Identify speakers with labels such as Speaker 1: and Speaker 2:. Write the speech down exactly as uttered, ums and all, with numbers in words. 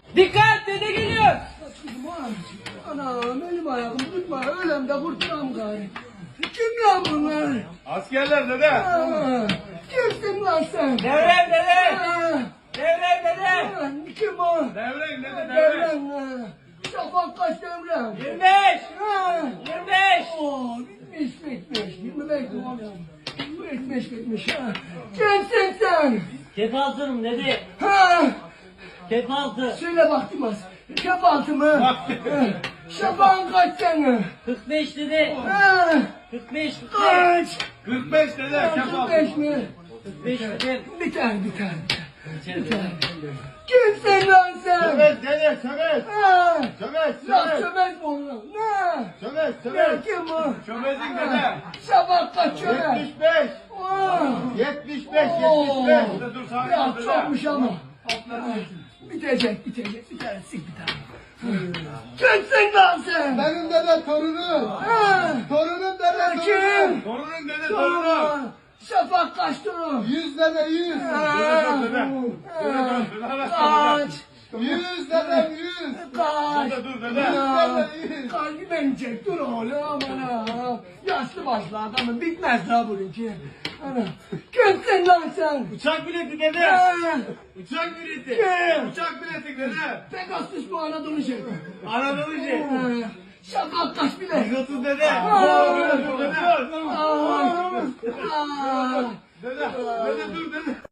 Speaker 1: Dikkat, dede geliyor.
Speaker 2: Anam elim ayağım tutma, ölemde kurtulam gari. Kim lan bunlar?
Speaker 3: Askerler dede.
Speaker 2: Aa, kimsin lan sen?
Speaker 1: Devrem dede.
Speaker 2: Aa,
Speaker 1: Devrem dede.
Speaker 2: aa, kim o?
Speaker 3: Devrek dede devrek.
Speaker 2: Devrem. aa. Şafak kaç devrem?
Speaker 1: yirmi beş.
Speaker 2: Ha.
Speaker 1: yirmi beş.
Speaker 2: Oo, bitmiş bitmiş. Yirmi beş oğlum. Bitmiş bitmiş ha. Kimsin sen?
Speaker 1: Kefaltırım dede.
Speaker 2: Ha.
Speaker 1: Kefaltı.
Speaker 2: Söyle baktım az. Şafak mı?
Speaker 3: Bak.
Speaker 2: Şafak'ın kaç sene?
Speaker 1: kırk beş dede.
Speaker 2: Ha.
Speaker 1: kırk beş. kırk beş.
Speaker 2: Kaç?
Speaker 3: kırk beş dede. Kefal.
Speaker 2: kırk beş mi?
Speaker 1: kırk beş dede.
Speaker 2: Biter biter.
Speaker 1: İçeri
Speaker 2: Biter.
Speaker 1: dede.
Speaker 2: Kimsin lan sen?
Speaker 3: Sömet dede sömet.
Speaker 2: Ha.
Speaker 3: Sömet
Speaker 2: Lan
Speaker 3: sömet.
Speaker 2: çömez mi oğlum? Ne?
Speaker 3: Sömet
Speaker 2: Ne
Speaker 3: sömet.
Speaker 2: kim bu?
Speaker 3: Çömezin dede.
Speaker 2: Şafak kaç çömez?
Speaker 3: yetmiş beş.
Speaker 2: Aa.
Speaker 3: yetmiş beş
Speaker 2: Oo.
Speaker 3: yetmiş beş. Dede dur sakin
Speaker 2: Ya
Speaker 3: ol dede.
Speaker 2: çokmuş ama. Bitecek bitecek. Biter sik biter. Kimsin lan sen?
Speaker 4: Benim dede torunum.
Speaker 2: Ha.
Speaker 4: Torunum dede torunum.
Speaker 2: Kim?
Speaker 3: Torunun dede torunun.
Speaker 2: Torun. Şafak kaç torun?
Speaker 4: Yüz dede yüz.
Speaker 2: Ha.
Speaker 3: Dede.
Speaker 2: Ha.
Speaker 3: Dede.
Speaker 2: Kaç?
Speaker 4: Yüz dedem yüz.
Speaker 2: Kaç?
Speaker 3: Dede dur dede.
Speaker 2: Ya, kalbi beni çek dur oğlum ana. Yaşlı başlı adamın bitmez la bununki. Ana. Kimsin lan sen?
Speaker 3: Uçak bileti dede.
Speaker 2: Ha.
Speaker 3: Uçak bileti.
Speaker 2: Kim?
Speaker 3: Uçak bileti dede.
Speaker 2: Pegasus bu Anadolu şey.
Speaker 3: Anadolu şey.
Speaker 2: Ha. Şafak kaç bile?
Speaker 3: yüz otuz dede.
Speaker 2: Aa.
Speaker 3: Dede dur dede.
Speaker 2: Aa. Aa.
Speaker 3: Dede. Dede dur dede.